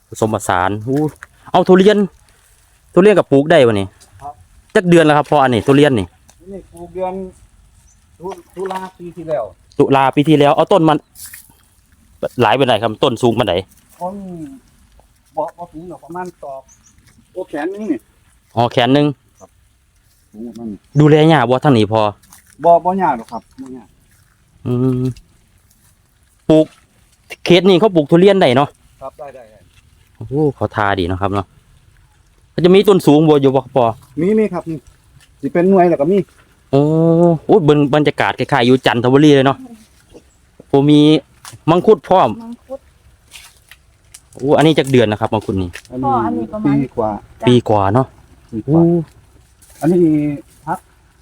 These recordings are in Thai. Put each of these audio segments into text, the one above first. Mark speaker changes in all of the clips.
Speaker 1: ผสมผสานเอาทุเรียนกับปลูกได้วะนี่จักเดือนแล้วครับพออันนี้ทุเรียนนี่
Speaker 2: ปลูกเดือนตุลาปีที่แล้ว
Speaker 1: ตุลาปีที่แล้วเอาต้นมันหลายเป็นไหนครับต้นสูงมันไหน
Speaker 2: ต้นบ่สูงหรอกประมาณตอกโอแขนนึงนี่
Speaker 1: อ๋อแขนนึง
Speaker 2: สูงมัน
Speaker 1: ดูแลยากบ่ทั้งนี้พอ
Speaker 2: บ่ยากหรอกครับบ่ยาก
Speaker 1: ปลูกเขตนี้เขาปลูกทุเรียนได้เนาะ
Speaker 2: ครับได้
Speaker 1: โอ้เขาทาดีเนาะครับเนาะมันจะมีต้นสูงบ่อยู่บ่พอ
Speaker 2: มีครับนี่สิเป็นหน่วยแล้วก็มี
Speaker 1: โอ้บรรยากาศคล้ายๆอยู่จันทบุรีเลยเนาะผมมีมังคุดพร้อมอันนี้จักเดือนนะครับมังคุดนี่
Speaker 2: อันนี้ประมาณ
Speaker 1: ปีกว่าเนาะ
Speaker 2: อันนี้พัก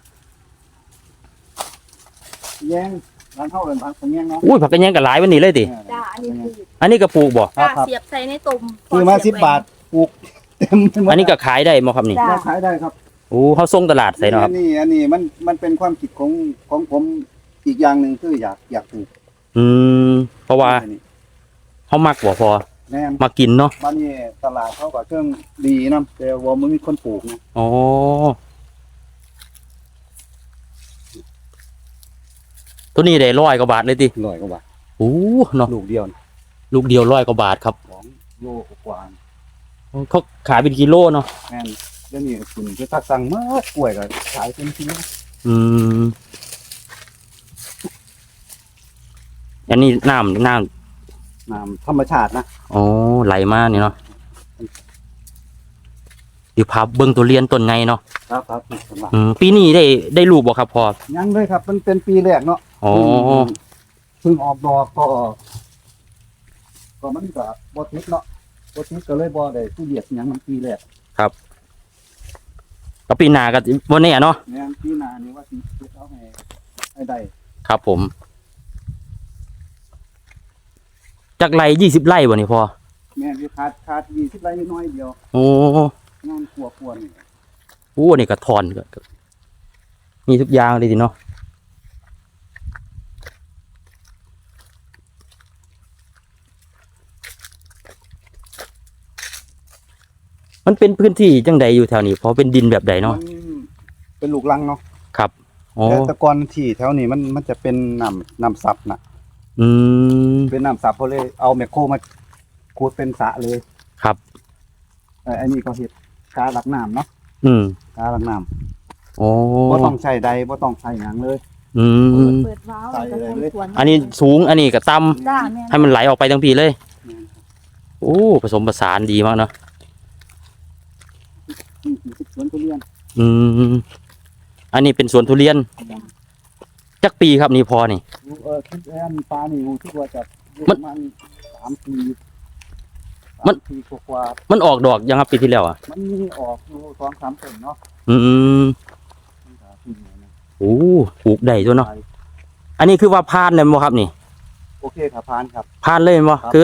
Speaker 2: แยงร้านเท่าเลยพักแยงเนาะ
Speaker 1: ผักกระแยงกับหลายวันนี้เลยติ
Speaker 3: จ้าอันนี้
Speaker 1: ก็ปลูกบ่
Speaker 3: จ้าเสียบใส่ในตุ่ม
Speaker 2: คือมา10 บาทปลูก
Speaker 1: เต็มอันนี้ก็ขายได้มั้งครับนี่
Speaker 2: ขายได้ครับ
Speaker 1: เขาส่งตลาดใส่เนาะครับ
Speaker 2: อันนี้มันเป็นความคิดของผมอีกอย่างหนึ่งคืออยากปลูก
Speaker 1: เพราะว่าเขามักบ่พอมากินเนาะ
Speaker 2: บ้านนี้ตลาดเขาก็เครื่องดีนะแต่ว่ามันมีคนปลูกนะ
Speaker 1: ตัวนี้ได้100 กว่าบาทเลยติ
Speaker 2: 100 กว่าบาท
Speaker 1: เนาะ
Speaker 2: ลูกเดียว
Speaker 1: 100 กว่าบาทครับ
Speaker 2: 2 โลกว่า
Speaker 1: เขาขายเป็นกิโลเนาะ
Speaker 2: แม่นเดี๋ยวนี้คุณจะตักสั่งมากกล้วยก็ขายเป็นกิโล
Speaker 1: อันนี้น้
Speaker 2: ำธรรมชาตินะ
Speaker 1: ไหลมานี่เนาะอยู่พาเบิ้งตัวเรียนต้นไงเนาะ
Speaker 2: ครับ
Speaker 1: ปีนี้ได้ลูกบ่ครับพอ
Speaker 2: ยังเลยครับมันเป็นปีแรกเนาะเพิ่งออกดอกก็มันก็บ่ติดเนาะบ่ติดก็เลยบ่ได้ตู้เดียดหยังมันปีแรก
Speaker 1: ครับก็ปีหน้าก็บ่แน่เนาะ
Speaker 2: แม่นปีหน้านี่ว่าสิเอาให้ได้
Speaker 1: ครับผมจากไร่20 ไร่บ่นี่พอ
Speaker 2: แม่นอยู่ขาด20 ไร่น้อยเดียวงานขัวนี่
Speaker 1: นี่ก็ถอนก็มีทุกอย่างเลยทีเนาะมันเป็นพื้นที่จังใดอยู่แถวนี้เพราะเป็นดินแบบใดเนาะ
Speaker 2: เป็นลูกรังเนาะ
Speaker 1: ครับ
Speaker 2: แต่ก่อนที่แถวนี้มันจะเป็นน้ำซับนะเป็นน้ำซับเขาเลยเอาแมคโครมาขุดเป็นสระเลย
Speaker 1: ครับ
Speaker 2: อันนี้ก็เห็ดกาหลักน้ำเนาะกาหลักน้ำบ่ต้องใช้ใดบ่ต้องใช้หยังเลย
Speaker 3: เปิดว้าว
Speaker 1: อันนี้สูงอันนี้ก็ต่ำให้มันไหลออกไปทั้งปีเลยผสมผสานดีมากเนาะ
Speaker 2: สวนทุเรียน
Speaker 1: อันนี้เป็นสวนทุเรียนจักปีครับนี่พอนี่
Speaker 2: คิดปลานี่คิดว่าจะประมาณ3 ปีกว่า
Speaker 1: มันออกดอกยังครับปีที่แล้วอ่ะ
Speaker 2: มันมีออกอยู่2-3 ต้นเนาะ
Speaker 1: ปลูกได้ด้วยเนาะอันนี้คือว่าพานเลยมั้งครับนี่
Speaker 2: โอเคครับพานครับ
Speaker 1: พานเลยมั้งคือ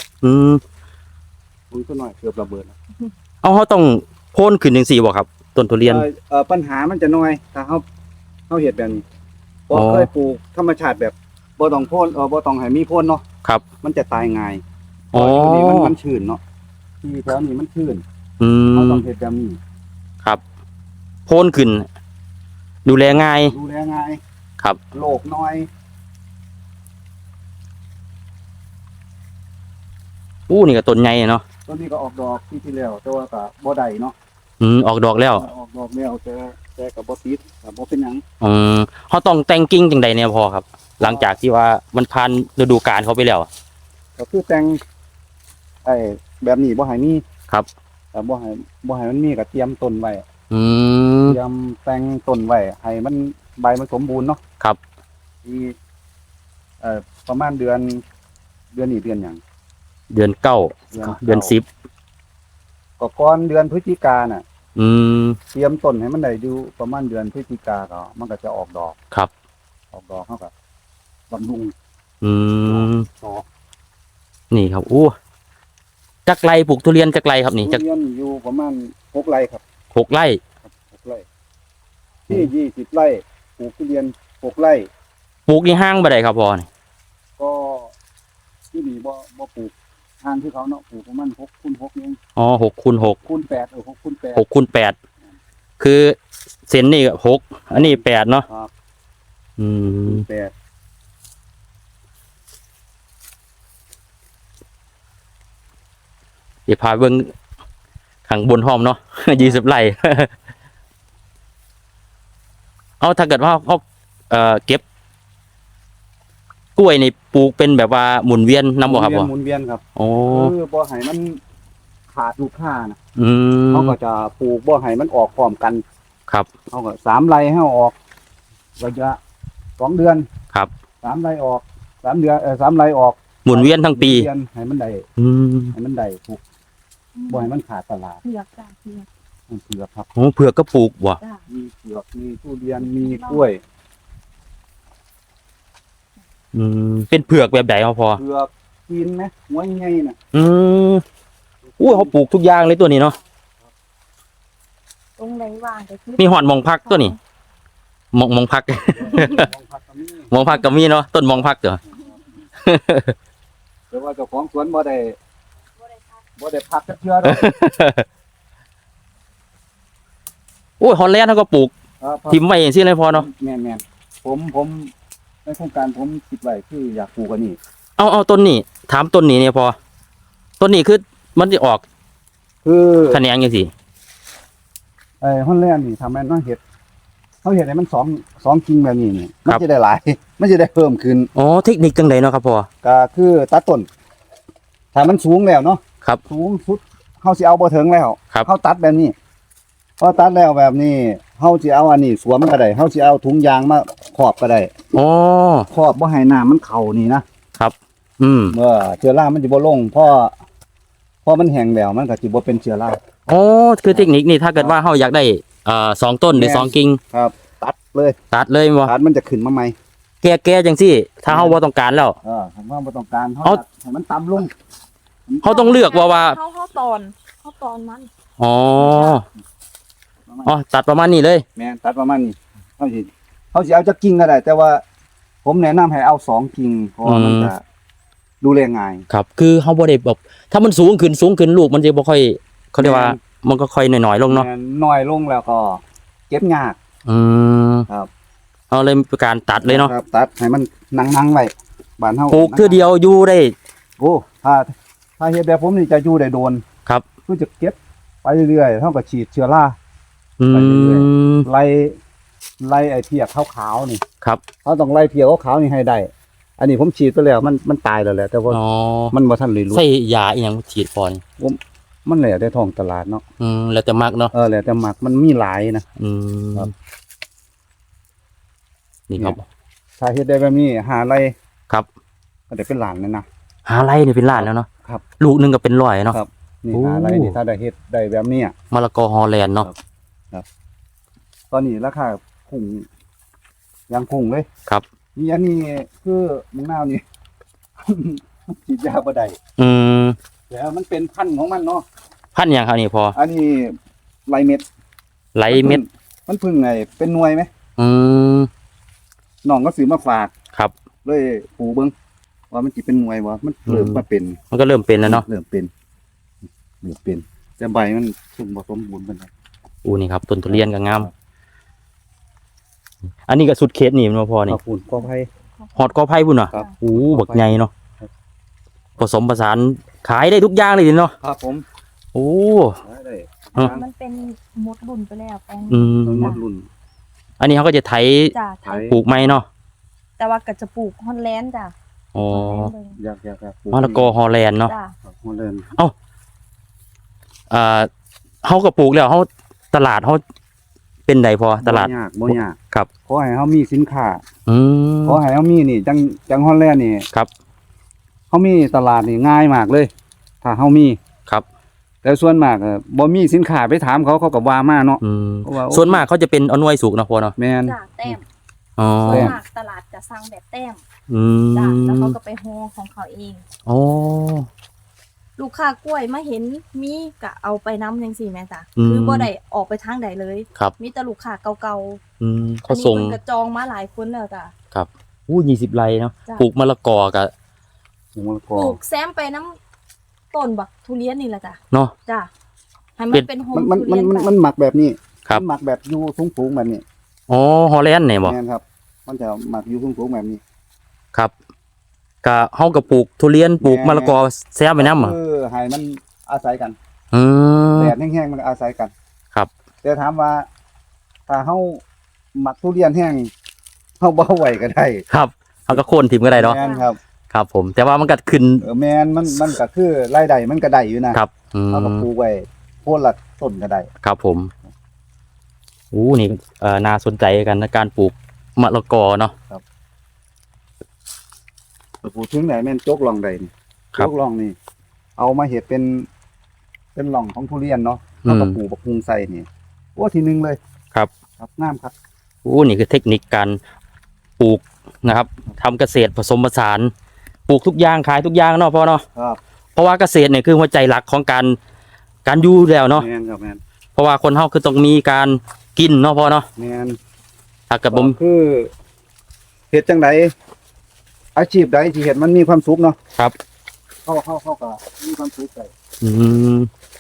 Speaker 2: ปุ๋ยตัวหน่อยเกือบระเบิด
Speaker 1: เขาต้องโค่นขึ้น1-4บ่ครับต้นทุเรียน
Speaker 2: ปัญหามันจะน้อยถ้าเขาเห็ดแบบนี้พอเคยปลูกธรรมชาติแบบบ่ต้องโค่นบ่ต้องให้มีโค่นเนาะ
Speaker 1: ครับ
Speaker 2: มันจะตายง่ายนี่มันชื้นเนาะที่แถวนี้มันชื้นเขาต้องเห็ดแบบนี้
Speaker 1: ครับโค่นขึ้นดูแลง่ายครับ
Speaker 2: โรคน้อย
Speaker 1: นี่ก็ต้นใหญ่เนาะ
Speaker 2: ต้นนี้ก็ออกดอกที่แล้วแต่ว่าก็บ่ได้เนาะ
Speaker 1: ออกดอกแล้ว
Speaker 2: แต่ก็บ่ติดก็บ่เป็นหยัง
Speaker 1: เขาต้องแต่งกิ่งจังใดเนี่ยพอครับ หลังจากที่ว่ามันผ่านฤดูกาลเขาไปแล้ว
Speaker 2: ก็คือแต่งแบบนี้บ่ให้มี
Speaker 1: ครับ
Speaker 2: แต่บ่ให้มันมีก็เตรียมต้นไว้เตรียมแต่งต้นไว้ให้มันใบมันสมบูรณ์เนาะ
Speaker 1: ครับ
Speaker 2: ที่ประมาณเดือนนี้เดือนหยัง
Speaker 1: เดือน9เดือน10
Speaker 2: ก็ก่อนเดือนพฤศจิกายนน่ะเตรียมต้นให้มันได้อยู่ประมาณเดือนพฤศจิกาก็มันก็จะออกดอก
Speaker 1: ครับ
Speaker 2: ออกดอกเฮาก็บำรุง
Speaker 1: นี่ครับจักไรปลูกทุเรียนจักไรครับนี่
Speaker 2: ทุเรียนอยู่ประมาณ6 ไร่ครับ
Speaker 1: 6 ไร่
Speaker 2: 6 ไร่ที่20 ไร่ปลูกทุเรียน6 ไร่
Speaker 1: ปลูกในห้างบ่ได้ครับพ่อนี่
Speaker 2: ก็ที่นี่บ่ปลูกทางที่เขาเนาะปลูกประมาณ6x6เอง
Speaker 1: อ๋อ6x6
Speaker 2: 6x8 6x8
Speaker 1: 6x8คือเส้นนี่6อันนี้8เนาะ
Speaker 2: ครับ
Speaker 1: อืม
Speaker 2: 8
Speaker 1: เดี๋ยวพาเบิ่งข้างบนห้อมเนาะ 20 ไร่ เอาถ้าเกิดว่าเขาเก็บกล้วยนี่ปลูกเป็นแบบว่าหมุนเวียนนำบ่ครับพ่อ
Speaker 2: หมุนเวียนครับ
Speaker 1: โอ้
Speaker 2: คือบ่ให้มันขาดลูกค้านะ
Speaker 1: อืม
Speaker 2: เขาก็จะปลูกบ่ให้มันออกพร้อมกัน
Speaker 1: ครับ
Speaker 2: เขาก็3 ไร่ให้ออกระยะ2 เดือน
Speaker 1: ครับ
Speaker 2: 3 ไร่ออก3 เดือน3 ไร่ออก
Speaker 1: หมุนเวียนทั้งปี
Speaker 2: เดือนให้มันได้
Speaker 1: อืม
Speaker 2: ให้มันได้ปลูกบ่ให้มันขาดตลาด
Speaker 3: เผือกจ้ะเผือก
Speaker 2: มันเผือกครับ
Speaker 1: โอ้เผือกก็ปลูกว่ะ
Speaker 3: จ้ะ
Speaker 2: มีเผือกมีทุเรียนมีกล้วย
Speaker 1: อืมเป็นเผือกแบบไหนครับพ่อ
Speaker 2: เผือกกินไหมหัวใหญ่น่ะ
Speaker 1: อืมอู้เขาปลูกทุกอย่างเลยตัวนี้เนาะ
Speaker 3: ตรงไหนว่างก็คือ
Speaker 1: มีหอดหมองพักตัวนี้หมองพัก
Speaker 2: ของผักก็มี
Speaker 1: หมองพักก็มีเนาะต้นหมองพักเด้อ
Speaker 2: แต่ว่าเจ้าของสวนบ่ได้
Speaker 3: บ่ได้พัก
Speaker 2: บ่ได้พักจักเทื่อดอก
Speaker 1: โอ้ยฮอลแลนด์เขาก็ปลูก
Speaker 2: ครับ
Speaker 1: ทิมไว้อย่างซี่เลยพอเนาะ
Speaker 2: แม่นๆผมในโครงการผมคิดไว้คืออยากปลูกอันนี้
Speaker 1: เอาต้นนี้ถามต้นนี้เนี่ยพอต้นนี้คือมันจะออก
Speaker 2: คือ
Speaker 1: แขนงจังซี่
Speaker 2: ฮอนแลนด์นี่ทำให้มันเฮ็ดเขาเฮ็ดให้มันสองกิ่งแบบนี้นี่มันจะได้หลาย มันจะได้เพิ่มขึ้น
Speaker 1: อ๋อเทคนิคจังไดเนาะครับพ่อ
Speaker 2: ก็คือตัดต้นถ้ามันสูงแล้วเนาะ
Speaker 1: ครับ
Speaker 2: สูงสุดเฮาสิเอาบ่ถึงแล้ว
Speaker 1: ครับ
Speaker 2: เฮาตัดแบบนี้พอตัดแล้วแบบนี้เฮาสิเอาอันนี้สวมก็ได้เฮาสิเอาถุงยางมาครอบก็ได้
Speaker 1: อ๋อ
Speaker 2: ครอบบ่ให้น้ำมันเข้านี่นะครับ
Speaker 1: อืม
Speaker 2: เมื่อเชื้อรามันสิบ่ลงพอมันแห้งแล้วมันก็สิบ่เป็นเชื้อรา
Speaker 1: อ๋อคือเทคนิคนี่ถ้าเกิดว่าเฮาอยากได้2ต้นหรือ
Speaker 2: แม่น
Speaker 1: 2กิ่ง
Speaker 2: ครับ ตัดเลย
Speaker 1: ตัดเลยบ่
Speaker 2: ตัดมันจะขึ้นมาใหม่
Speaker 1: แก้จังซี่ ถ้าเฮาบ่ต้องการแล้ว
Speaker 2: ผมว่าบ่ต้องการเฮา
Speaker 1: เอา
Speaker 2: ตัดให้มันต่ำลง
Speaker 1: เฮาต้องเลือกว่า
Speaker 3: เขาตอนมัน
Speaker 1: อ๋อตัดประมาณนี้เลย
Speaker 2: แม่นตัดประมาณนี้เฮาสิเอาจักกิ่งก็ได้ แต่ว่า ผมแนะนำให้เอา2กิ่งเพราะว่ามันจะดูแลง่าย
Speaker 1: ครับ คือเฮาบ่ได้แบบถ้ามันสูงขึ้นลูกมันจะบ่ค่อยเขาเรียกว่ามันก็ค่อยน้อยๆลงเนาะ
Speaker 2: แม่น้อยลงแล้วก็เก็บยาก
Speaker 1: อืม
Speaker 2: ครับ
Speaker 1: เอาเลยมีการตัดเลยเนาะ
Speaker 2: ครับตัดให้มันนั่งๆไว้บ้านเฮา
Speaker 1: ปลูกเทื่อเดียวอยู่ได้
Speaker 2: โอ้ถ้าเฮ็ดแบบผมนี่จะอยู่ได้โดน
Speaker 1: ครับ
Speaker 2: คือจะเก็บไปเรื่อยๆเท่ากับฉีดเชื้อรา
Speaker 1: อื
Speaker 2: ไปเรื่อย
Speaker 1: ม
Speaker 2: ไล่ไอ้เพียกขาวๆนี่
Speaker 1: ครับ
Speaker 2: เขาต้องไล่เพียกขาวๆนี่ให้ได้ อันนี้ผมฉีดไปแล้วมันตายแล้วแหละแต่ว่า
Speaker 1: อ๋อ
Speaker 2: มันบ่ทันเลยรู้
Speaker 1: ใส่ยาอีหยังฉีดพอน
Speaker 2: มันแหละได้ท้องตลาดเนาะ
Speaker 1: แล้วแต่มักเนาะ
Speaker 2: แล้วแต่หมักมันมีหลายนะ
Speaker 1: อืม
Speaker 2: ครับ
Speaker 1: นี่ครับ
Speaker 2: ถ้าเฮ็ดได้แบบนี้หาไร
Speaker 1: ครับ
Speaker 2: ก็ได้เป็นหลานเลยนะ
Speaker 1: หาไรนี่เป็นล้านแล้วเนาะ
Speaker 2: ครับ
Speaker 1: ลูกหนึงก็เป็นร้อยเนาะ
Speaker 2: ครับ นี่
Speaker 1: โอ้
Speaker 2: หาไรนี่ถ้าได้เฮ็ดได้แบบนี้อะ
Speaker 1: มะละกอฮอลแลนด์เนาะ
Speaker 2: ตอนนี้ราคาพุ่งยังพุ่งเลย
Speaker 1: ครับ
Speaker 2: นี่อันนี้คือมะนาวนี่ ฉีดยาบ่ได้
Speaker 1: อืม
Speaker 2: แต่มันเป็นพันธุ์ของมันเนาะ
Speaker 1: พันธุ์หยังครับนี่พอ
Speaker 2: อันนี้ไรเม็ด
Speaker 1: ไหลเม็ด
Speaker 2: มันเพึ่งไงเป็นหน่วยไหม
Speaker 1: อืม
Speaker 2: น้องก็ซื้อมาฝาก
Speaker 1: ครับ
Speaker 2: เลยปลูกเบิ่งว่ามันสิเป็นหน่วยบ่มันเริ่ม
Speaker 1: อืม
Speaker 2: มาเป็น
Speaker 1: มันก็เริ่มเป็นแล้วเนาะ
Speaker 2: เริ่มเป็นแต่ใบมันสมบ่สมบูรณ์ปานใด
Speaker 1: อู้นี่ครับต้นทุเรียนก็งาม อันนี้ก็สุดเขตนี่มันบ่พอนี่
Speaker 2: ขอบคุณก็ให้
Speaker 1: ฮอดกอไผ่พุ่นน่ะ
Speaker 2: ครับ
Speaker 1: โอ้บักใหญ่เนาะ
Speaker 2: ครับ
Speaker 1: ผสมผสานขายได้ทุกอย่างเลยเนาะ
Speaker 2: ครับผม
Speaker 1: โอ้
Speaker 2: ได้
Speaker 1: อ่ะ
Speaker 3: มันเป็นมดรุ่นไปแล้วแปลง
Speaker 1: อืม
Speaker 2: ทั้งหมดรุ่น
Speaker 1: อันนี้เขาก็จะไถ
Speaker 3: จ้ะ
Speaker 2: ไทย
Speaker 1: ปลูกไม้เนาะ
Speaker 3: แต่ว่าก็จะปลูกฮอนแลนด์จ้ะ
Speaker 1: อ๋อ
Speaker 3: ฮอนแลนด์เบิ่ง
Speaker 2: อยากปลู
Speaker 1: มะละกอฮอลแลนด์เนาะ
Speaker 3: จ้ะ
Speaker 2: ครับฮอลแลนด์
Speaker 1: เขาก็ปลูกแล้วเขาตลาดเขาเป็นใดพอตลาด
Speaker 2: บ่ยาก
Speaker 1: ครับ
Speaker 2: ขอให้เฮามีสินค้า
Speaker 1: อืม
Speaker 2: ขอให้เฮามีนี่จังฮอลแลนด์นี่
Speaker 1: ครับ
Speaker 2: เฮามีตลาดนี่ง่ายมากเลย ถ้าเฮามี
Speaker 1: ครับ
Speaker 2: แต่ส่วนมากบ่มีสินค้าไปถามเขาก็ว่ามาเนาะ
Speaker 1: อืม
Speaker 2: เพราะว่า
Speaker 1: ส่วนมากเขาจะเป็นเอาหน่วยสุกนะพอเนาะ
Speaker 2: แม่น
Speaker 3: จ้ะแต้ม
Speaker 1: อ๋อ
Speaker 3: ส่วนมากตลาดจะสั่งแบบแต้ม
Speaker 1: อื
Speaker 3: จ้ะแล้ว
Speaker 1: ม
Speaker 3: เขาก็ไปโฮของเขาเอง
Speaker 1: อ๋อ
Speaker 3: ลูกค้ากล้วยมาเห็นมีก็เอาไปน้ำจังซี่แม่จ้ะ
Speaker 1: อืม
Speaker 3: คือบ่ได้ออกไปทางใดเลย
Speaker 1: ครับ
Speaker 3: มีแต่ลูกค้าเก่า
Speaker 1: อืม
Speaker 3: ๆ
Speaker 1: เขาส่ง
Speaker 3: อันนี้เพิ่นก็จองมาหลายคนแล้วจ้ะ
Speaker 1: อู้20 ไร่เนาะ
Speaker 3: จ้ะ
Speaker 1: ปลูกมะละกอกับ
Speaker 2: มะละก
Speaker 3: ป
Speaker 2: อ
Speaker 3: ลูกแซมไปน้ต้นบักทุเรียนนี่แหละจ้ะ
Speaker 1: เนาะ
Speaker 3: จ้ะให้มั
Speaker 1: เป็น
Speaker 3: นเป็นโฮม
Speaker 2: มัน
Speaker 3: ทุเรียนไป
Speaker 2: มันหมักแบบนี้
Speaker 1: ครับ
Speaker 2: มันหมักแบบอยู่สูงๆแบบนี้
Speaker 1: อ๋อฮอลแลนด์เนี่ยบ่
Speaker 2: แม่นครับ มันจะหมักอยู่สูงๆแบบนี้
Speaker 1: ครับก็เฮาก็ปลูกทุเรียนปลูกมะละกอแซมไปนำอ่ะ
Speaker 2: ให้มันอาศัยกัน
Speaker 1: อืม
Speaker 2: แดดแห้งๆมันก็อาศัยกัน
Speaker 1: ครับ
Speaker 2: แต่ถามว่าถ้าเฮาหมักทุเรียนแห้งเฮาบ่ไหวก็ได้
Speaker 1: ครับเฮาก็โค่นทิ่มก็ได้เนาะ
Speaker 2: แม่นครับ
Speaker 1: ครับผมแต่ว่ามันก็ขึ้น
Speaker 2: แม่นมันก็คือรายได้มันก็ได้อยู่นะครับ
Speaker 1: อืม
Speaker 2: เฮาก็ปลูกไว้โคนละต้นก็ได้
Speaker 1: ครับผมนี่น่าสนใจกันนะการปลูกมะละกอเนาะ
Speaker 2: ปลูกถึงไหนแม่นโจกล่องใดนี่
Speaker 1: ครั
Speaker 2: โจ
Speaker 1: บ
Speaker 2: กล่องนี่เอามาเฮ็ดเป็นหล่องของทุเรียนเนาะ
Speaker 1: อื
Speaker 2: เฮาก็
Speaker 1: ม
Speaker 2: ปลูกบักฮุงใส่นี่โอ้ทีหนึงเลย
Speaker 1: ครับ
Speaker 2: ครับงามครับ
Speaker 1: นี่คือเทคนิคการปลูกนะครับทำเกษตรผสมผสานปลูกทุกอย่างขายทุกอย่างเนาะพ่อเนาะ
Speaker 2: ครับ
Speaker 1: เพราะว่าเกษตรเนี่ยคือหัวใจหลักของการอยู่แล้วเนาะ
Speaker 2: แม่นครับแม่น
Speaker 1: เพราะว่าคนเฮาคือต้องมีการกินเนาะพ่อเนาะ
Speaker 2: แม่น
Speaker 1: ถ้าเกิดผม
Speaker 2: คือเฮ็ดจังไดอาชีพใดที่เฮ็ดมันมีความสุขเนาะ
Speaker 1: ครับ
Speaker 2: เฮาก็มีความสุขได้
Speaker 1: อืม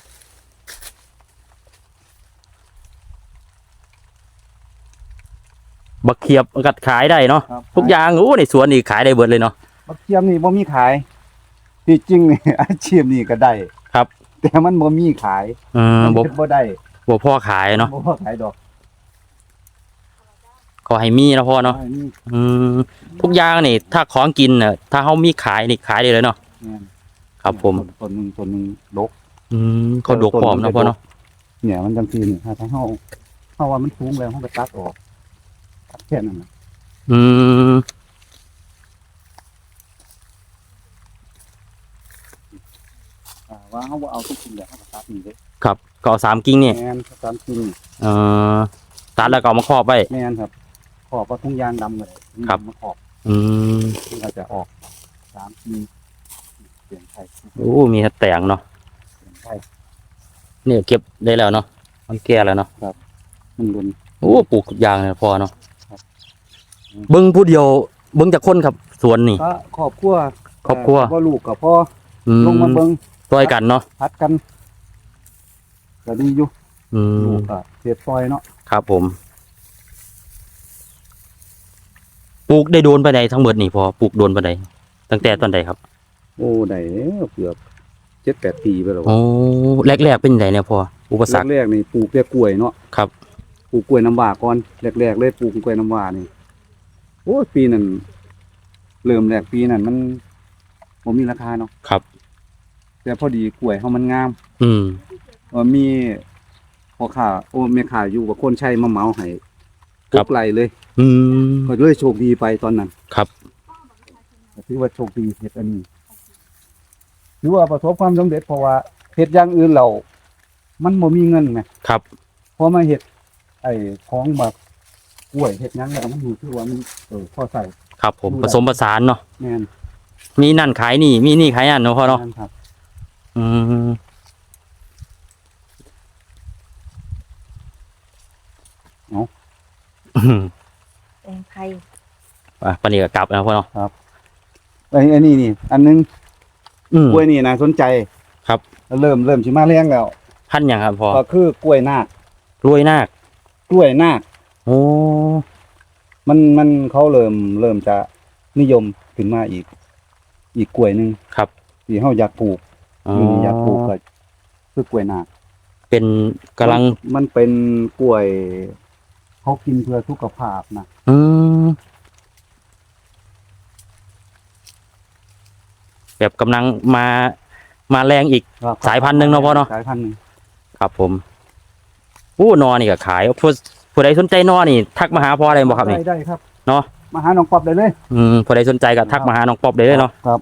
Speaker 1: บักเขียบกัดขายได้เนาะ
Speaker 2: ครับ
Speaker 1: ทุกอย่างในสวนนี่ขายได้เบิดเลยเนาะ
Speaker 2: บักเทียมนี่บ่มีขายที่จริงนี่ อาชีพนี่ก็ได้
Speaker 1: ครับ
Speaker 2: แต่มันบ่มีขาย
Speaker 1: บ่
Speaker 2: มันเฮ็ดบ่ได้
Speaker 1: บ่พ่อขายเนาะ
Speaker 2: บ่พอขายดอก
Speaker 1: ขอให้มีนะพ่อเนาะ
Speaker 2: อัมี
Speaker 1: อืมทุกอย่างนี่ถ้าของกินน่ะถ้าเฮามีขายนี่ขายได้เลยเนาะ
Speaker 2: แม่น
Speaker 1: ครับผม
Speaker 2: ต้นหนึงดก
Speaker 1: เขาดกพร้อมนะพ่อเนาะ
Speaker 2: เนี่ยมันจังซี่นี่ถ้าเฮาว่ามันสูงแล้วเฮาก็ตัดออกตัดแค่นั้นน่ะ
Speaker 1: อืม
Speaker 2: ว่าเฮาบ่เอาทุกสิ่งแล้วเฮาก็ตัดนี่เด้
Speaker 1: ครับก็เอา3กิ่งนี่
Speaker 2: แม่นตามจริง
Speaker 1: เอ่อตัดแล้วก็เอามาครอบไว้
Speaker 2: แม่นครับขอบว่าทุ่งยางดำเลย
Speaker 1: ครับ
Speaker 2: มาขอบ
Speaker 1: อืม
Speaker 2: ที่เราจะออก3ปีเปลี่ยนไทย
Speaker 1: มีแต่แต่งเนาะ
Speaker 2: เปลี่ยนไทย
Speaker 1: เนี่ยเก็บได้แล้วเนาะมันแก่แล้วเนาะ
Speaker 2: มันรุน
Speaker 1: ปลูกทุกอย่างเลยพอเนาะ
Speaker 2: ครับ
Speaker 1: เบิ่งผู้เดียวเบิ่งจากคนครับสวนนี่
Speaker 2: ก็ครอบครัว
Speaker 1: ครอบครัว
Speaker 2: พ่อลูกกับพ่อ
Speaker 1: อื
Speaker 2: ลงมาเบิ่ง
Speaker 1: ช่วยกันเนาะ
Speaker 2: พัดกันก็ดีอยู่
Speaker 1: อื
Speaker 2: ลู
Speaker 1: ม
Speaker 2: กก็เสียดซอยเนาะ
Speaker 1: ครับผมปลูกได้โดนไปไหนทั้งหมดนี่พอปลูกโดนไปไหนตั้งแต่ตอนใดครับ
Speaker 2: โอ้ได้แล้วเกือบ7-8 ปีไปแล้ว
Speaker 1: โอ้แรกๆเป็นไงเนี่ยพออุปสรรค
Speaker 2: แรกๆนี่ปลูกแต่กล้วยเนาะ
Speaker 1: ครับ
Speaker 2: ปลูกกล้วยน้ำว้าก่อนแรกๆเลยปลูกกล้วยน้ำว้านี่โอ้ยปีนั้นเริ่มแรกปีนั้นมันบ่มีราคาเนาะ
Speaker 1: ครับ
Speaker 2: แต่พอดีกล้วยเฮามันงาม
Speaker 1: อืม
Speaker 2: มีพ่อค้าแม่ค้าอยู่กับคนใช้มาเหมาให้
Speaker 1: ครับ
Speaker 2: กไหลเลย
Speaker 1: อืม
Speaker 2: ก็เลยโชคดีไปตอนนั้น
Speaker 1: ครับ
Speaker 2: ก็ถือว่าโชคดีเฮ็ดอันนี้ถือว่าประสบความสำเร็จเพราะว่าเฮ็ดอย่างอื่นเรามันบ่มีเงินไง
Speaker 1: ครับ
Speaker 2: พอมาเฮ็ดไอ้ของแบบกล้วยเฮ็ดหยังแล้วมันรู้สึกว่ามันพอใส่
Speaker 1: ครับผม
Speaker 2: ดูได้
Speaker 1: ผสมผสานเนาะ
Speaker 2: แม่น
Speaker 1: มีนั่นขายนี่มีนี่ขายนั่นเนาะพ่อเนาะ
Speaker 2: แม่นครับ
Speaker 1: อืม
Speaker 3: แตงไทย
Speaker 1: ปานนี้ก็กลับแล้วพ่อเนาะ
Speaker 2: ไอ้นี่อันนึง
Speaker 1: อืม
Speaker 2: กล้วยนี่น่าสนใจ
Speaker 1: ครับ
Speaker 2: เริ่มสิมาแรงแล้ว
Speaker 1: พันธุ์หยังครับพ่อ
Speaker 2: ก็คือกล้วยนาค
Speaker 1: รวยนาค
Speaker 2: กล้วยนาค
Speaker 1: โอ้
Speaker 2: มันเขาเริ่มจะนิยมขึ้นมาอีกกล้วยหนึง
Speaker 1: ครับ
Speaker 2: ที่เฮาอยากปลูก
Speaker 1: อ๋อ
Speaker 2: อยากปลูกก็คือกล้วยนาค
Speaker 1: เป็นกำลัง
Speaker 2: มันเป็นกล้วยเขากินเพื่อสุขภาพนะ
Speaker 1: อืมแบบกำลังมาแรงอีก สายพันธุ์หนึ่งเนาะพ่อเนาะ
Speaker 2: สายพันธุ์หนึง
Speaker 1: ครับผมนอนี่ก็ขายผู้ใดสนใจนอนี่ ทักมาหาพ่อได้บ่ครับนี่
Speaker 2: ได้ครับ
Speaker 1: เนาะ
Speaker 2: มาหาน้องป๊อบได้เลย
Speaker 1: ผู้ใดสนใจก็ทักมาหาน้องป๊อบได้เลยเนาะ
Speaker 2: ครับ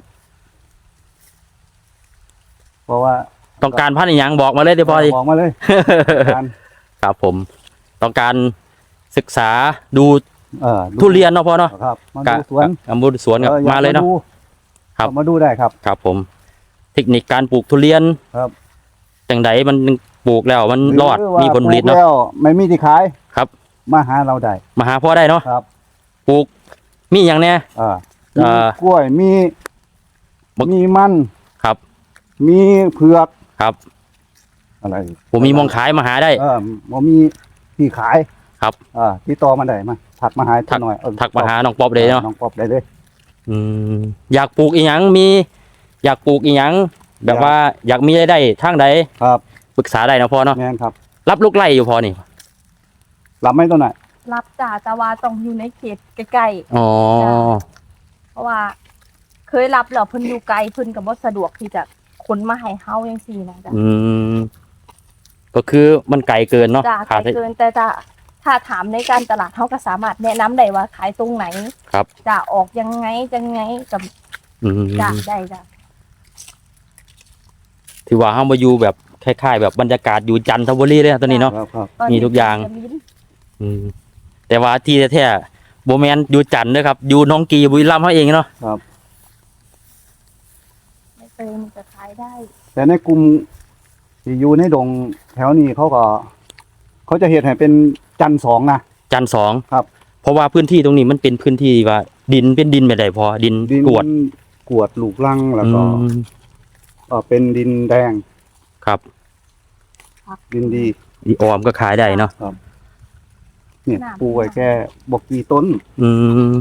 Speaker 2: เพราะว่า
Speaker 1: ต้องการพันธุ์อิหยังบอกมาเลยเดี๋ยวพ่อดิ
Speaker 2: บอกมาเลยการ
Speaker 1: ครับผม ต้องการศึกษาดู
Speaker 2: ดู
Speaker 1: ทุเรียนเนาะพ่อเนาะ
Speaker 2: ครับมาดูสวน
Speaker 1: บูสวนกับ
Speaker 2: อออ
Speaker 1: มาเลยเนาะ
Speaker 2: ดู
Speaker 1: ครับ
Speaker 2: มาดูได้ครับ
Speaker 1: ครับผม เทคนิคการปลูกทุเรียน
Speaker 2: ครับ
Speaker 1: จังไดมันปลูกแล้วมันรอด
Speaker 2: หว่า
Speaker 1: มีผลผลิต
Speaker 2: ป
Speaker 1: เนาะ
Speaker 2: แล้วไม่มีที่ขาย
Speaker 1: ครับ
Speaker 2: มาหาเราได้
Speaker 1: มาหาพ่อได้เนาะ
Speaker 2: ครับ
Speaker 1: ปลูกมีอย่างเนี้ย
Speaker 2: อ่า
Speaker 1: เอ่
Speaker 2: มี
Speaker 1: อ
Speaker 2: กล้วยมี
Speaker 1: บัก
Speaker 2: มีมัน
Speaker 1: ครับ
Speaker 2: มีเผือก
Speaker 1: ครับ
Speaker 2: อะไร
Speaker 1: ผมมีมองขายมาหาได้
Speaker 2: บ่มีที่ขาย
Speaker 1: ครับ
Speaker 2: ติดต่อมาได้มาถักมาหาหน่อย
Speaker 1: ทักมาหาน้องป๊อบเลยเนาะ
Speaker 2: น้องป๊อบได้เลย
Speaker 1: อืมอยากปลูกอีหยังอยากปลูกอีหยังแบบว่าอยากมีรายได้ทางใด
Speaker 2: ครับ
Speaker 1: ปรึกษาได้นะพ่อเนาะ
Speaker 2: แม่นครับ
Speaker 1: รับลูกไร่อยู่พอนี่
Speaker 2: รับไหม่ตัวไหน
Speaker 3: รับจ้าแต่ว่าต้องอยู่ในเขตใกล้
Speaker 1: อ๋อ
Speaker 3: ๆเพราะว่า เคยรับแล้วเพิ่นอยู่ไกลเพิ่นก็บ่สะดวกที่จะขนมาให้เฮาจังซี่นะจ้ะ
Speaker 1: อืมก็คือมันไกลเกินเนาะ
Speaker 3: จ้าไกลเกินแต่ถ้าถามในการตลาดเฮาก็สามารถแนะนำได้ว่าขายตรงไหน
Speaker 1: ครับ
Speaker 3: จะออกยังไงกับ
Speaker 1: อืม
Speaker 3: จ้าได้จ้ะ
Speaker 1: ถือว่าเฮามาอยู่แบบคล้ายๆแบบบรรยากาศอยู่จันทบุรีเลยนะตอนนี้เนาะ
Speaker 2: ครับ
Speaker 3: ตอน
Speaker 1: มี
Speaker 3: นี้
Speaker 1: ทุกอย่าง
Speaker 3: จะมี
Speaker 1: อืมแต่ว่าที่แท้ๆบ่แม่นอยู่จันทร์เด้อครับอยู่หน้องกีบุรีรัมย์เฮาเองเนาะ
Speaker 3: ไม่เติมจะขายได้
Speaker 2: แต่ในกลุ่มที่อยู่ในดงแถวนี้เขาจะเฮ็ดให้เป็นจันทร์สองนะ
Speaker 1: จันทร์สอง
Speaker 2: ครับ
Speaker 1: เพราะว่าพื้นที่ตรงนี้มันเป็นพื้นที่ว่าดินเป็นดินแบบใดพอดิน
Speaker 2: ดิน
Speaker 1: กรวด
Speaker 2: กวดลูกลังแล้วก็
Speaker 1: อืม
Speaker 2: เป็นดินแดง
Speaker 1: ครับ
Speaker 2: ดินดี
Speaker 1: อีออมก็ขายได้เนาะ
Speaker 2: เนี่ยปลูกไว้แค่บอกกี่ต้น
Speaker 1: อืม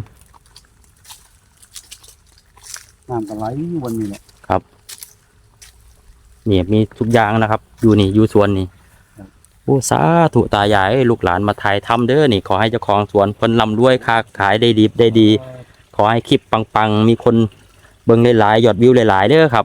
Speaker 2: น้ำกันไหลวันนี้เนี่ย
Speaker 1: นี่มีทุกอย่างนะครับ อยู่นี่อยู่สวนนี่
Speaker 2: ครับ
Speaker 1: โอ้สาธุตายายเอ้ยลูกหลานมาถ่ายทำเด้อนี่ ขอให้เจ้าของสวนเพิ่นร่ำรวยค้าขายได้ดี ขอให้คลิปปังๆ มีคนเบิ่งหลายๆยอดวิวหลายๆเด้อครับ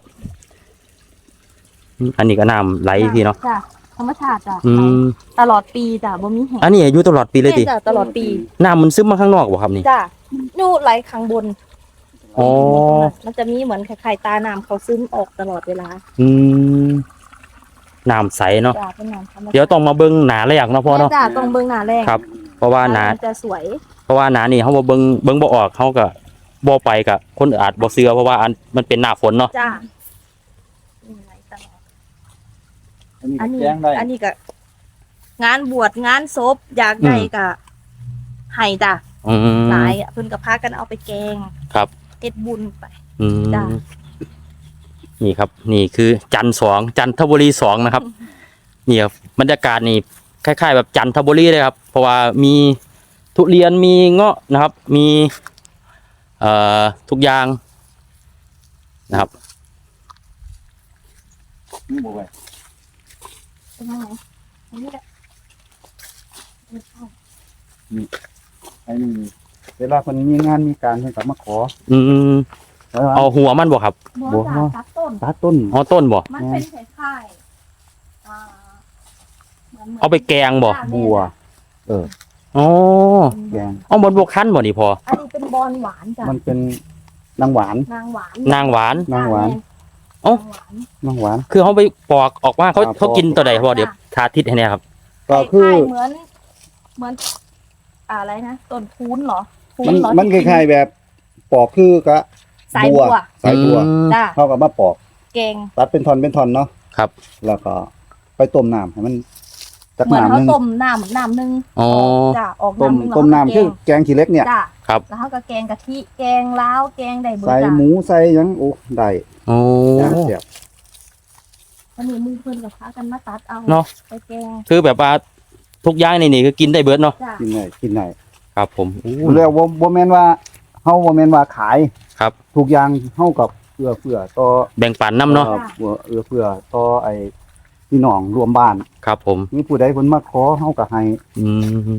Speaker 1: อันนี้ก็น้ำไหลพี่เนาะ
Speaker 3: จ้ะธรรมชาติจ้ะ
Speaker 1: อืม
Speaker 3: ตลอดปีจ้ะบ่มีแห้ง
Speaker 1: อันนี้อยู่ตลอดปีเลยดิ
Speaker 3: จ้ะตลอดปี
Speaker 1: น้ำมันซึมมาข้างนอกบ่ครับนี่
Speaker 3: จ้ะนู่ไหลข้างบน
Speaker 1: อ๋อ
Speaker 3: มันจะมีเหมือนคล้ายๆตาน้ำเขาซึมออกตลอดเวลา
Speaker 1: อืมน้ำใสเนาะ
Speaker 3: จ้ะเป็นน้ำธรรมชาติ
Speaker 1: เดี๋ยวต้องมาเบิ่งหนาแรกเนาะพ่อเนาะ
Speaker 3: จ้ะต้องเบิ่งหน้าแรก
Speaker 1: ครับ เพราะว่าหนา
Speaker 3: มันจะสวย
Speaker 1: เพราะว่าหนานี่เขาบ่เบิ่งบ่ออกเขาก็บ่ไปกับคนอาจบ่เชื่อเพราะว่ามันเป็นหน้าฝนเนาะ
Speaker 3: จ้ะนี่ไหลตลอด อันนี้
Speaker 2: แจ้งได้
Speaker 3: อันนี้ก็งานบวชงานศพอยากได้ก็ให้จ้ะ
Speaker 1: อืม
Speaker 3: หลายอะเพิ่นก็พากันเอาไปแกง
Speaker 1: ครับ
Speaker 3: เฮ็ดบุญไป
Speaker 1: อืม
Speaker 3: จ้ะ
Speaker 1: นี่ครับ นี่คือจันทร์สองจันทบุรีสองนะครับนี่ครับบรรยากาศนี่คล้ายๆแบบจันทบุรีเลยครับ เพราะว่ามีทุเรียนมีเงาะนะครับ มีทุกอย่างนะครับ
Speaker 2: นี่บอกไว้
Speaker 3: เป็นยังไงอันนี้แหละ
Speaker 2: ไอ้นี่เวลาคนมีงานมีการเพิ่นก็มาขอ
Speaker 1: อืม
Speaker 2: แล้ว
Speaker 1: เอาหัวมันบ่ครับ
Speaker 3: บัวจ้ะตัดต้น
Speaker 2: ตัดต้น
Speaker 1: อ๋อต้นบ่
Speaker 3: มันเป็นคล้ายๆหมืน
Speaker 1: เอาไปแกงบ่
Speaker 2: บัว
Speaker 1: อ๋อ
Speaker 2: แกง
Speaker 1: เอาบนบกคั้นบ่นี่พอ
Speaker 3: อันนี้เป็นบอนหวานจ้ะ
Speaker 2: มันเป็นนางหวาน
Speaker 3: นางหวาน
Speaker 1: นางหวาน
Speaker 2: นางหวาน
Speaker 1: เอ้า
Speaker 3: นางหวาน
Speaker 2: นางหวาน
Speaker 1: คือเขาไปปอกออกมาเขา
Speaker 2: ครับ
Speaker 1: เขากินตัวใดพอเดี๋ยวสาธิตให้เนี่ยครับ
Speaker 2: ก็คือ
Speaker 3: ล้ายๆเหมือนอะไรนะต้นคูนเหรอคู
Speaker 2: มัน
Speaker 3: เหรอ
Speaker 2: มันคล้ายๆแบบปอกคือกะ
Speaker 3: สายบัว
Speaker 2: สายบัว
Speaker 1: อืม
Speaker 3: จ้ะ
Speaker 2: เท่ากับมาปอก
Speaker 3: แกง
Speaker 2: ตัดเป็นท่อนเป็นท่อนเนาะ
Speaker 1: ครับ
Speaker 2: แล้วก็ไปต้มน้ำให้มันจัก
Speaker 3: เหมือน
Speaker 2: น้ำ
Speaker 3: เขา
Speaker 2: นึง
Speaker 3: ต้มน้ำหนึ่ง
Speaker 1: อ๋อ
Speaker 3: จ้ะออก
Speaker 2: ต้ม
Speaker 3: น้ำหนึ่ง
Speaker 2: ต้มน้ำ
Speaker 3: แล้ว
Speaker 2: คือ
Speaker 3: ก็
Speaker 2: แกงขี้เหล็กเนี่ย
Speaker 3: จ้ะ
Speaker 1: ครับ
Speaker 3: แล้วเขาก็แกงกะทิแกงล้าวแกงได้เบอ
Speaker 2: ใส่
Speaker 3: ร์จ้ะ
Speaker 2: หมูใส่หยังโอ้ได้
Speaker 1: โอ้
Speaker 2: ย่างเสียบ
Speaker 3: วันนี้มือเพื่อนกับพากันมาตัดเอา
Speaker 1: เนาะ
Speaker 3: ไปแกง
Speaker 1: คือแบบว่าทุกอย่างในนี่คือกินได้เบิดเนาะ
Speaker 3: จ้ะ
Speaker 2: กินได้กินได้
Speaker 1: ครับผมอู้
Speaker 2: เรียกว่าบ่แม่นว่าเฮาบ่แม่นว่าขาย
Speaker 1: ครับ
Speaker 2: ทุกอย่างเฮากับเอื้อต่อ
Speaker 1: แบ่งปันน้ำเนาะ
Speaker 2: เอื้อต่อไอ้พี่น้องรวมบ้าน
Speaker 1: ครับผม
Speaker 2: มีผู้ใดเพิ่นมาขอเฮาก็ให้
Speaker 1: อืม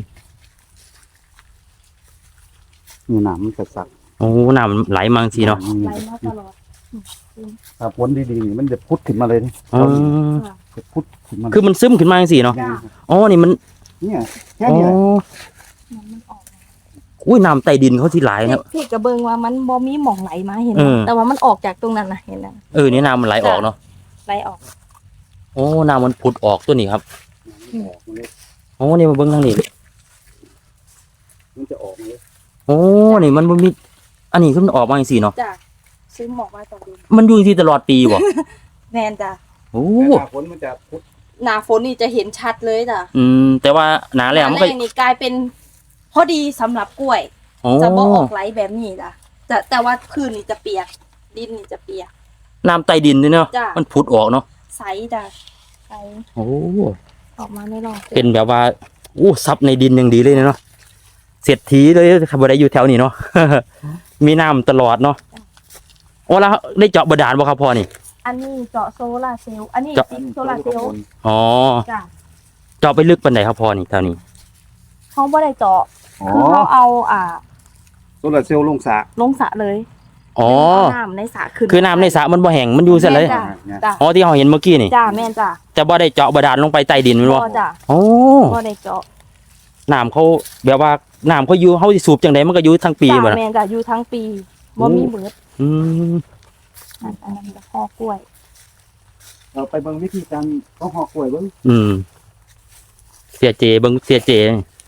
Speaker 2: นี่น้ำมันจะสัก
Speaker 1: โอ้น้ำไหลมาสิเนาะ
Speaker 3: ไหลมาตลอด
Speaker 2: ถ้าฝนดีๆนี่มันจะพุดขึ้นมาเลยนี่
Speaker 1: อ๋อ
Speaker 2: จะพุดขึ้นมา
Speaker 1: คือมันซึมขึ้นมาสิเนาะ
Speaker 3: จ้ะ
Speaker 1: อ๋อนี่มัน
Speaker 2: เนี่ยแค่
Speaker 1: อ๋อ
Speaker 2: นี้แหละ
Speaker 3: มันออก
Speaker 1: อุ้ยน้ำใต้ดินเขาที่ไหลายครับ
Speaker 3: พี่กระเบิงว่ามันบ่มีหม่องไหลมาเห็นไหม
Speaker 1: เออ
Speaker 3: แต่ว่ามันออกจากตรงนั้นนะเห็นไหม
Speaker 1: นี่น้ำมันไหลออกเนาะ
Speaker 3: ไหลออก
Speaker 1: โอ้น้ำมันผุดออกตัวนี้ครับ
Speaker 2: ออกมาเลย
Speaker 1: โอ้นี่มาเบิ่งทางนี้
Speaker 2: มันจะออกมาเลย
Speaker 1: โอ้นี่มันบ่มีอันนี้คือมันออกมาจังซี่เนาะ
Speaker 3: จ้ะซื้อหมอกมาจากดิน
Speaker 1: มันอยู่ที่ตลอดปีบ่
Speaker 3: แมนจ้ะ
Speaker 1: โอ้
Speaker 2: แต่หน้าฝนมันจะพุด
Speaker 3: หน้าฝนนี่จะเห็นชัดเลยจ้ะ
Speaker 1: แต่ว่าหนาแล้
Speaker 3: ห
Speaker 1: ว
Speaker 3: น้า
Speaker 1: มัน
Speaker 3: แร
Speaker 1: ก็
Speaker 3: งนี่กลายเป็นพอดีสำหรับกล้วย
Speaker 1: โอ้
Speaker 3: จะบ่ออกไหลแบบนี้จ้ะแต่ว่าพื้นนี่จะเปียกดินนี่จะเปียก
Speaker 1: น้ำใต้ดินนี่เนาะ
Speaker 3: จ้ะ
Speaker 1: มันผุดออกเนาะ
Speaker 3: ใสจ้ะใส
Speaker 1: โอ้
Speaker 3: ออกมาในรอบ
Speaker 1: เป็นแบบว่าอู้ซับในดินอย่างดีเลยเนาะเศรษฐีเลยครับบ่ได้อยู่แถวนี้เนาะ มีน้ำตลอดเนาะโอ้แล้วได้เจาะบาดาลบ่ครับพ่อนี่
Speaker 3: อันนี้เจาะโซลาร์เซลล์อันนี้
Speaker 1: เจาะ
Speaker 3: ติดโซลาร์เซลล์
Speaker 1: อ๋อ
Speaker 3: จ้ะ
Speaker 1: เจาะไปลึกปานใดครับพ่อนี่แถวนี้
Speaker 3: เขาบ่ได้เจาะ
Speaker 2: อ๋อ
Speaker 3: คือเขาเอา
Speaker 2: โซลาร์เซลล์ลงสระ
Speaker 3: ลงสระเลย
Speaker 1: อ๋อ
Speaker 3: เอาน้ำในสระขึ้น
Speaker 1: คือน้ำในสระมันบ่แห้งมันอยู่เสียเลย
Speaker 3: แม่นจ้ะจ้ะ
Speaker 1: อ๋อที่เราเห็นเมื่อกี้นี่
Speaker 3: จ้ะแม่นจ้ะ
Speaker 1: แต่บ่ได้เจาะบาดาลลงไปใต้ดินแมันบ่
Speaker 3: บ่จ้ะ
Speaker 1: โอ้
Speaker 3: บ่ได้เจาะ
Speaker 1: น้ำเขาแบบว่าน้ำเขาอยู่เขาสิสูบจังไดมันก็อยู่ทั้งปี
Speaker 3: จ้ะ
Speaker 1: บ่ล่ะ
Speaker 3: แม่นจ้ะอยู่ทั้งปีบ่มีเบิด
Speaker 1: อืม
Speaker 3: อันนั้นก็ห่อกล้วย
Speaker 2: เราไปเบิ่งวิธีการต้องห่อกล้วยเบิ่ง
Speaker 1: อืมเสียเจเบิ่งเสียเจ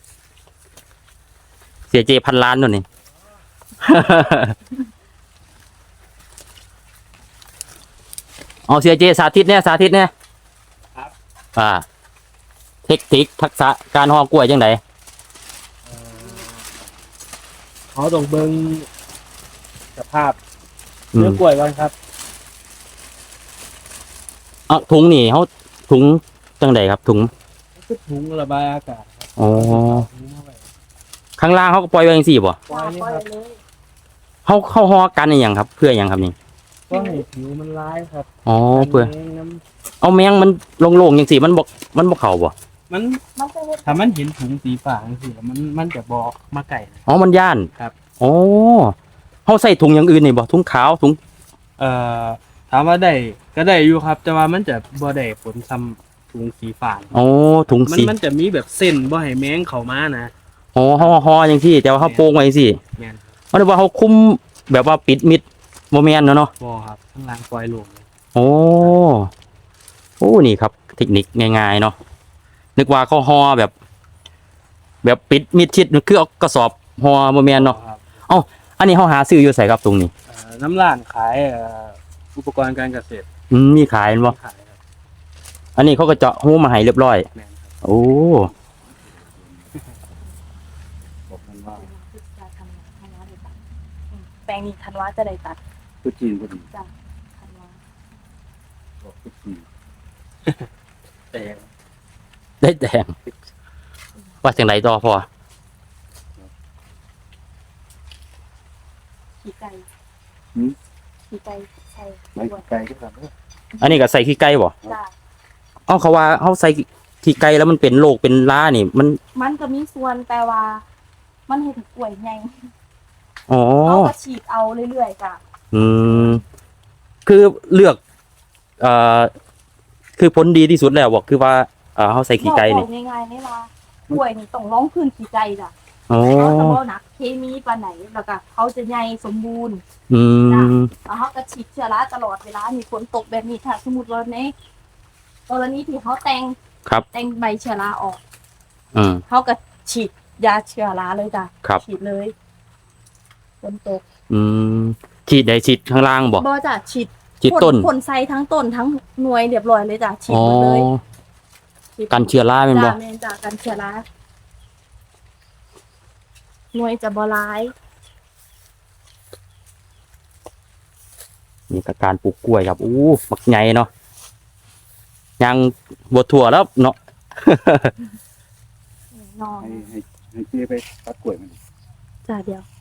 Speaker 1: พันล้านนู่นนี่ เอาเสียเจสาธิตเนี่ยสาธิตเนี่ยเทคนิคทักษะการห่อกล้วยจังได
Speaker 4: เขาต้องเบิ่งสภาพ
Speaker 1: อื
Speaker 4: เนื้อ
Speaker 1: ม
Speaker 4: กล้วยก่อนครับ
Speaker 1: เอาถุงนี่เขาถุงจังไดครับถุง
Speaker 4: คือถุงระบายอากาศครับ
Speaker 1: อ๋อ
Speaker 4: ถุงเข้าไป
Speaker 1: ข้างล่างเขาก็ปล่อยไว้จังซี่บ่
Speaker 4: ปล่อยนี่ครับ
Speaker 3: เลย
Speaker 1: เขาห่อกันอหย่างครับ เพื่ออหย่างครับนี่
Speaker 4: ก็ให้ผิวมันร้ายครับ
Speaker 1: อ๋อเพื่อ
Speaker 4: แมงน้
Speaker 1: เอาแมงมันโล่งๆจังซี่มันบ่เข้าบ่
Speaker 4: ำมัน
Speaker 3: มันจะเฮ็ด
Speaker 4: ถ้ามันเห็นถุงสีฟ้าจังซี่แล้วมันจะบอกมาไก่นะ
Speaker 1: อ๋อมันย่าน
Speaker 4: ครับ
Speaker 1: อ๋อเขาใส่ถุงอย่างอื่นนี่บ่ถุงขาวถุง
Speaker 4: เอ่อถามว่าได้ก็ได้อยู่ครับ แต่ว่ามันจะบ่ได้ผลซ้ำถุงสีฟ้า
Speaker 1: อ๋อถุง
Speaker 4: มัน
Speaker 1: สี
Speaker 4: มันจะมีแบบเส้นบ่ให้แมงเข้ามานะ
Speaker 1: อ๋อห่อจังซี่แต่ว่าเขาโปร่งไว้จังซี่
Speaker 4: แม่น
Speaker 1: มันเรียกว่าเขาคุมแบบว่าปิดมิดบ่แม่นเนาะ
Speaker 4: บ่ครับข้างล่างปล่อยลงเลย
Speaker 1: โอ้โอ้นี่ครับ เทคนิคง่ายๆเนาะนึกว่าเขาห่อแบบปิดมิดชิดคือเอากระสอบห่อบ่แม่นเนาะ
Speaker 4: ครับ
Speaker 1: อันนี้เขาหาซื้ออยู่ไสครับตรงนี้
Speaker 4: น้ำร้านขายอุปกรณ์การเกษตร
Speaker 1: มีขายแม่นบ่
Speaker 4: ขายครับ
Speaker 1: อันนี้เขาก็เจาะหูมาให้เรียบร้อย
Speaker 4: แม่นครับ
Speaker 1: โอ้
Speaker 2: บอกกันว่า
Speaker 3: แปลงนี้ธันวาจะได้ตัด
Speaker 2: ตุ๊จีนพอดี
Speaker 3: จ้ะธันวา
Speaker 2: บอกตุ๊จีน
Speaker 4: แต่
Speaker 1: ได้แดงว่าจังไดต่อพอ
Speaker 3: ขี้ไก่ขี้ไก่ใช่
Speaker 2: ไม่ไกลก็ทำได้
Speaker 1: อันนี้ก็ใส่ขี้ไก่บ่
Speaker 3: จ้ะ
Speaker 1: เอ้าเขาว่าเขาใส่ขี้ไก่แล้วมันเป็นโรคเป็นล้านี่
Speaker 3: มันก็มีส่วนแต่ว่า มันเฮ็ดให้กล้วยใหญ่
Speaker 1: อ๋อ
Speaker 3: เขาก็ฉีดเอาเรื่อยๆจ้ะ
Speaker 1: อืมคือเลือกเอ่อคือผลดีที่สุดแล้วบอกคือว่าเขาใส่ขี้ไก่นี่
Speaker 3: บอกง่ายๆนี่ว่ากล้วยนี่ต้องร้องพื้นขี้ไก่จ้ะ
Speaker 1: อ๋อ
Speaker 3: เขาจะบ่หนักเคมีปานไหนแล้วก็เขาจะใหญ่สมบูรณ์
Speaker 1: อืม
Speaker 3: แล้วเขาก็ฉีดเชื้อราตลอดเวลามีฝนตกแบบนี้ถ้าสมมุติว่าในกรณีที่เขาแต่ง
Speaker 1: ครับ
Speaker 3: แต่งใบเชื้อราออก
Speaker 1: อืม
Speaker 3: เขาก็ฉีดยาเชื้อราเลยจ้ะ
Speaker 1: ครับ
Speaker 3: ฉีดเลยฝนตก
Speaker 1: อืมฉีดใดฉีดข้างล่างบอก
Speaker 3: บ่จ้ะฉีด
Speaker 1: ฉีดต้น
Speaker 3: พ่นใส่ทั้งต้นทั้งหน่วยเรียบร้อยเลยจ้ะฉีด
Speaker 1: อ๋อ
Speaker 3: หมดเลยฉีด
Speaker 1: กันเชื้อราเป็นบ่
Speaker 3: จ้ะแม่นจ้ะกันเชื้อราหน่วยจะบ่ร้าย
Speaker 1: นี่ก็การปลูกกล้วยครับอู้บักใหญ่เนาะยังบวถั่วแล้วเนาะ
Speaker 3: นอน
Speaker 2: ให้เจ๊ไปตัดกล้วยมัน
Speaker 3: จ้ะเดียว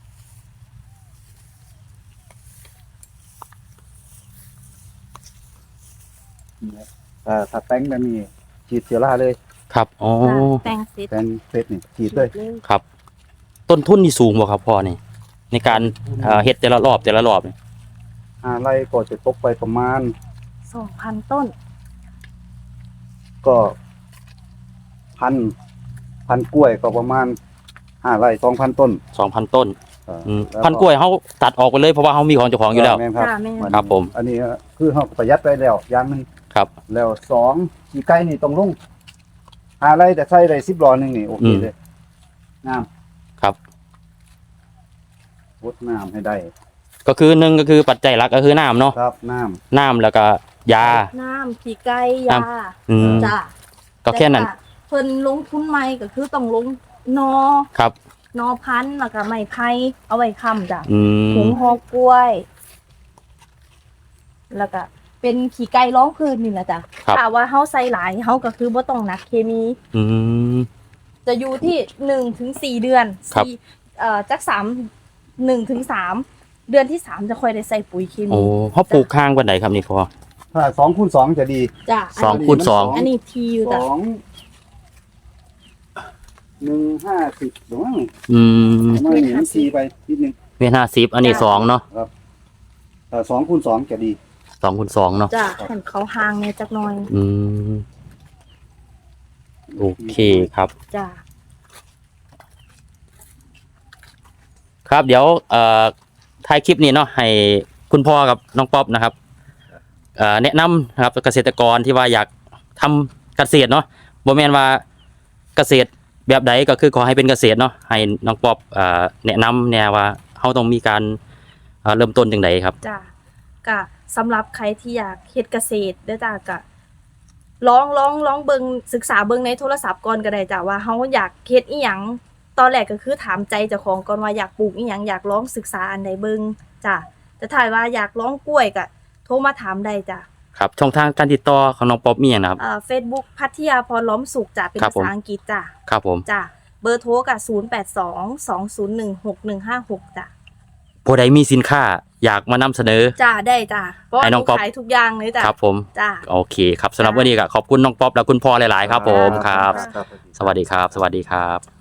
Speaker 2: ถ้าแต่งแบบนี้ฉีดเชื้อราเลย
Speaker 1: ครับอ๋อ
Speaker 3: จ้ะแต่งเสร็จ
Speaker 2: แต่งเสร็จนี่ฉีดเลย
Speaker 1: ครับ ต้นทุนนี่สูงบ่ครับพ่อนี่ ในการเฮ็ดแต่ละรอบนี่
Speaker 2: ไร่ก็จะตกไปประมาณ
Speaker 3: 2,000 ต้น
Speaker 2: ก็พันกล้วยก็ประมาณ5 ไร่ 2,000 ต้น
Speaker 1: 2,000 ต้น อืม
Speaker 2: แล้ว
Speaker 1: พันกล้วยเขาตัดออกไปเลยเพราะว่าเขามีของเจ้าของอยู่แล้ว
Speaker 2: ม่นครับ
Speaker 3: จ้ะแม่น
Speaker 1: ครับผม
Speaker 2: อันนี้คือเขาประหยัดไปแล้วอย่างหนึง
Speaker 1: ครับ
Speaker 2: แล้ว2ขี้ไก่นี่ต้องลง5 ไร่แต่ใส่ได้10 หลอนึงนี่โอเคเลยน้ำ
Speaker 1: ครับ
Speaker 2: วดน้ำให้ได้
Speaker 1: ก็คือหนึ่งก็คือปัจจัยหลักก็คือน้ำเนาะ
Speaker 2: ครับน้
Speaker 1: น้ำแล้วก็ยา
Speaker 3: น้ำขี้ไก่ยา
Speaker 1: อืม
Speaker 3: จ้ะ
Speaker 1: ก็แค่นั้น
Speaker 3: ต่ว่าเพิ่นลงทุนใหม่ก็คือต้องลงนอ
Speaker 1: ครับ
Speaker 3: นอพันธุ์แล้วก็ไม้ไผ่เอาไว้ค้ำจ้ะ
Speaker 1: อื
Speaker 3: ถุ
Speaker 1: ม
Speaker 3: งห่อกล้วยแล้วก็เป็นขี้ไก่ร้องพื้นนี่แหละจ้ะ
Speaker 1: ครับ
Speaker 3: ถ้าว่าเฮาใส่หลายเฮาก็คือบ่ต้องหนักเคมี
Speaker 1: อืม
Speaker 3: จะอยู่ที่1 ถึง 4 เดือน
Speaker 1: ครับ
Speaker 3: จาก1 ถึง 3 เดือนที่ 3 จะค่อยได้ใส่ปุ๋ยเค
Speaker 1: โอ้
Speaker 3: มี
Speaker 1: เขาปลูกข้างวันไหนครับนี่พอ
Speaker 2: ถ้า2 คูณ 2จะดี
Speaker 3: จ้ะ
Speaker 1: สองคูณสอง
Speaker 3: อันนี้ทีอยู่จ้ะ
Speaker 2: 150หรือว่า
Speaker 1: อืม
Speaker 2: ประมาณนี้มันทีไปนิดนึง
Speaker 1: เมตร50อันนี้2เนาะ
Speaker 2: ครับถ้า2 คูณ 2จะดี
Speaker 1: 2คูณ2เนาะ
Speaker 3: จ้ะเห็นเขาห่างเนี่ยจักหน่อย
Speaker 1: อืมโอเคครับ
Speaker 3: จ้ะ
Speaker 1: ครับเดี๋ยวท้ายคลิปนี้เนาะให้คุณพ่อกับน้องป๊อปนะครับแนะนำนะครับเกษตรกรที่ว่าอยากทำเกษตรเนาะบ่แม่นว่าเกษตรแบบใดก็คือขอให้เป็นเกษตรเนาะให้น้องป๊อปแนะนำแน่ว่าเฮาต้องมีการเริ่มต้นจังไดครับ
Speaker 3: จ้ะก็สำหรับใครที่อยากเฮ็ดเกษตรเด้อจ้ะก็ลองเบิ่งศึกษาเบิ่งในโทรศัพท์ก่อนก็ได้จ้ะว่าเฮาอยากเฮ็ดอีหยังตอนแรกก็คือถามใจเจ้าของก่อนว่าอยากปลูกอีหยังอยากลองศึกษาอันใดเบิ่งจ้ะแต่ถ้าว่าอยากลองกล้วยก็โทรมาถามได้จ้ะ
Speaker 1: ครับช่องทางการติดต่อของน้องป๊อปมีหยังนะครับ
Speaker 3: Facebook พัทยาพรล้อมสุขจ้ะเป็น
Speaker 1: ครับ
Speaker 3: ภา
Speaker 1: ผม
Speaker 3: ษาอังกฤษจ้ะ
Speaker 1: ครับผม
Speaker 3: จ้ะเบอร์โทรก็0822016156จ้ะ
Speaker 1: ผู้ใดมีสินค้าอยากมานำเสนอ
Speaker 3: จ้ะได้จ้ะเพราะว่า
Speaker 1: ให้
Speaker 3: ห
Speaker 1: น้
Speaker 3: นู
Speaker 1: องป๊อป
Speaker 3: ขายทุกอย่างเลยจ้ะ
Speaker 1: ครับผม
Speaker 3: จ้ะ
Speaker 1: โอเคครับสำหรับวันนี้ก็ขอบคุณน้องป๊อปและคุณพ่อหลายๆครับผมครับ
Speaker 2: ครับ
Speaker 1: สวัสดีครับ สวัสดีครับ